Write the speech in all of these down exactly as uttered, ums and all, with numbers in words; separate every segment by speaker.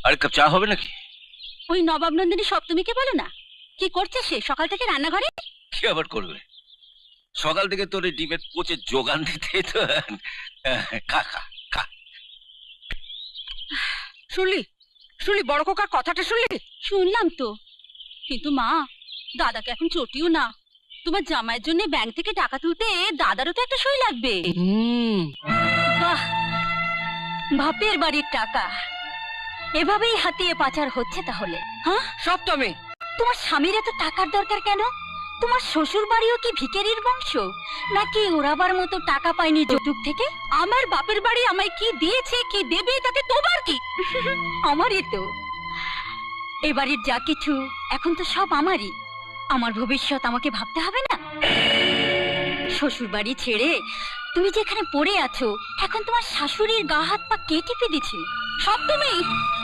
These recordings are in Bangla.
Speaker 1: আর কাপ চা হবে নাকি?
Speaker 2: ওই নবাব নন্দিনী সপ্তমীকে বলো না, কি করছে সে সকাল থেকে রান্নাঘরে?
Speaker 1: কি আবার করবে? সকাল থেকে তোর এই ডিমের পচে যোগান দিতে তো। খা খা খা।
Speaker 3: শুনলি শুনলি বড় কোকার কথাটা শুনলি?
Speaker 2: শুনলাম তো, কিন্তু মা দাদাকে এখন চটিও না। তোমার জামাইয়ের জন্য ব্যাংক থেকে টাকা তুলতে দাদারও তো একটা সই লাগবে। বাহ, বাপের বাড়ির টাকা এভাবেই হাতিয়ে পাচার হচ্ছে তাহলে? হ্যাঁ
Speaker 3: সপ্তমী,
Speaker 2: তোমার স্বামীর এত টাকার দরকার কেন? তোমার শ্বশুর বাড়িও কি ভিখারির বংশ নাকি ওরাবার মতো টাকা পায়নি যৌতুক থেকে? আমার বাপের বাড়ি আমায় কি দিয়েছে কি দেবে তাতে তোমার কি? আমারই তো এ বাড়ির যা কিছু এখন তো সব আমারই। আমার ভবিষ্যৎ আমাকে ভাবতে হবে না? শ্বশুর বাড়ি ছেড়ে তুমি যেখানে পড়ে আছো এখন তোমার শাশুড়ির গা হাত পা কে টিপে দিচ্ছে? সব তুমি।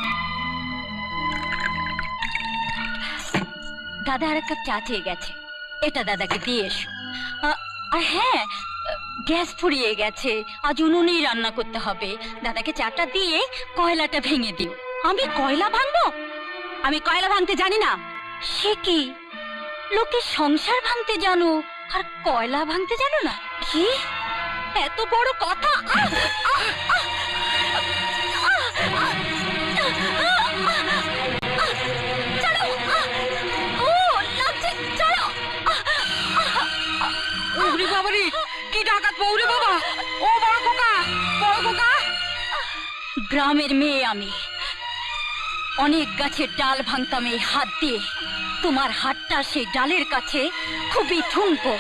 Speaker 2: দাদা আর এক কাপ চা চেয়ে গেছে, এটা দাদাকে দিয়ে এসো। আর হ্যাঁ, গ্যাস ফুরিয়ে গেছে, আজ উনুনেই রান্না করতে হবে। দাদাকে চাটা দিয়ে কয়লাটা ভেঙে দিও। আমি কয়লা ভাঙবো? আমি কয়লা ভাঙতে জানি না। সে কি, লোকে সংসার ভাঙতে জানো আর কয়লা ভাঙতে জানো না? কি এত বড় কথা!
Speaker 3: কি ডাকাত বউরে বাবা! ও বড় খোকা, বড় খোকা!
Speaker 2: গ্রামের মেয়ে আমি, অনেক গাছের ডাল ভাঙতাম এই হাত দিয়ে। তোমার হাতটা সেই ডালের কাছে খুবই ঠুনকো।